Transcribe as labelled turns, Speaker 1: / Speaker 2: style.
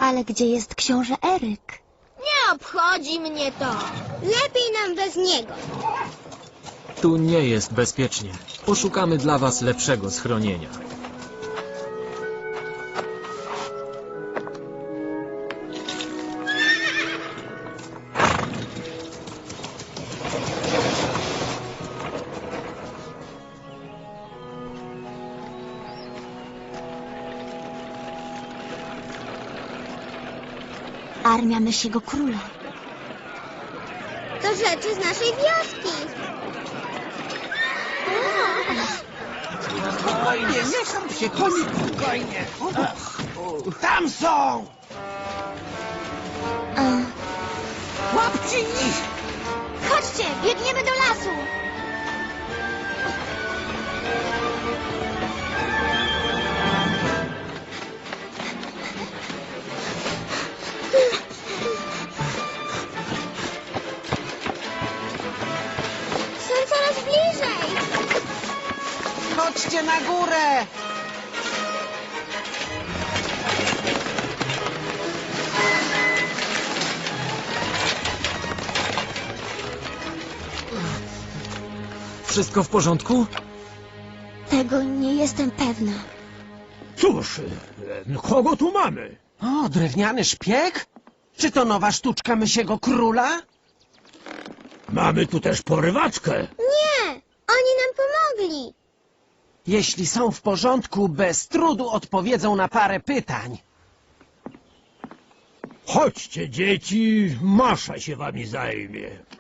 Speaker 1: Ale gdzie jest książę Eryk?
Speaker 2: Nie obchodzi mnie to. Lepiej nam bez niego.
Speaker 3: Tu nie jest bezpiecznie. Poszukamy dla was lepszego schronienia.
Speaker 1: Armia Mysiego Króla.
Speaker 2: To rzeczy z naszej wioski.
Speaker 4: Spokojnie, nie sam się, koniku. Spokojnie. Tam są! Łapcie ich!
Speaker 2: Chodźcie, biegniemy do lasu. Są coraz bliżej.
Speaker 4: Chodźcie na górę!
Speaker 3: Wszystko w porządku?
Speaker 1: Tego nie jestem pewna.
Speaker 5: Cóż, kogo tu mamy?
Speaker 4: O, drewniany szpieg? Czy to nowa sztuczka Mysiego Króla?
Speaker 5: Mamy tu też porywaczkę.
Speaker 2: Nie, oni nam pomogli.
Speaker 4: Jeśli są w porządku, bez trudu odpowiedzą na parę pytań.
Speaker 5: Chodźcie, dzieci, Masza się wami zajmie.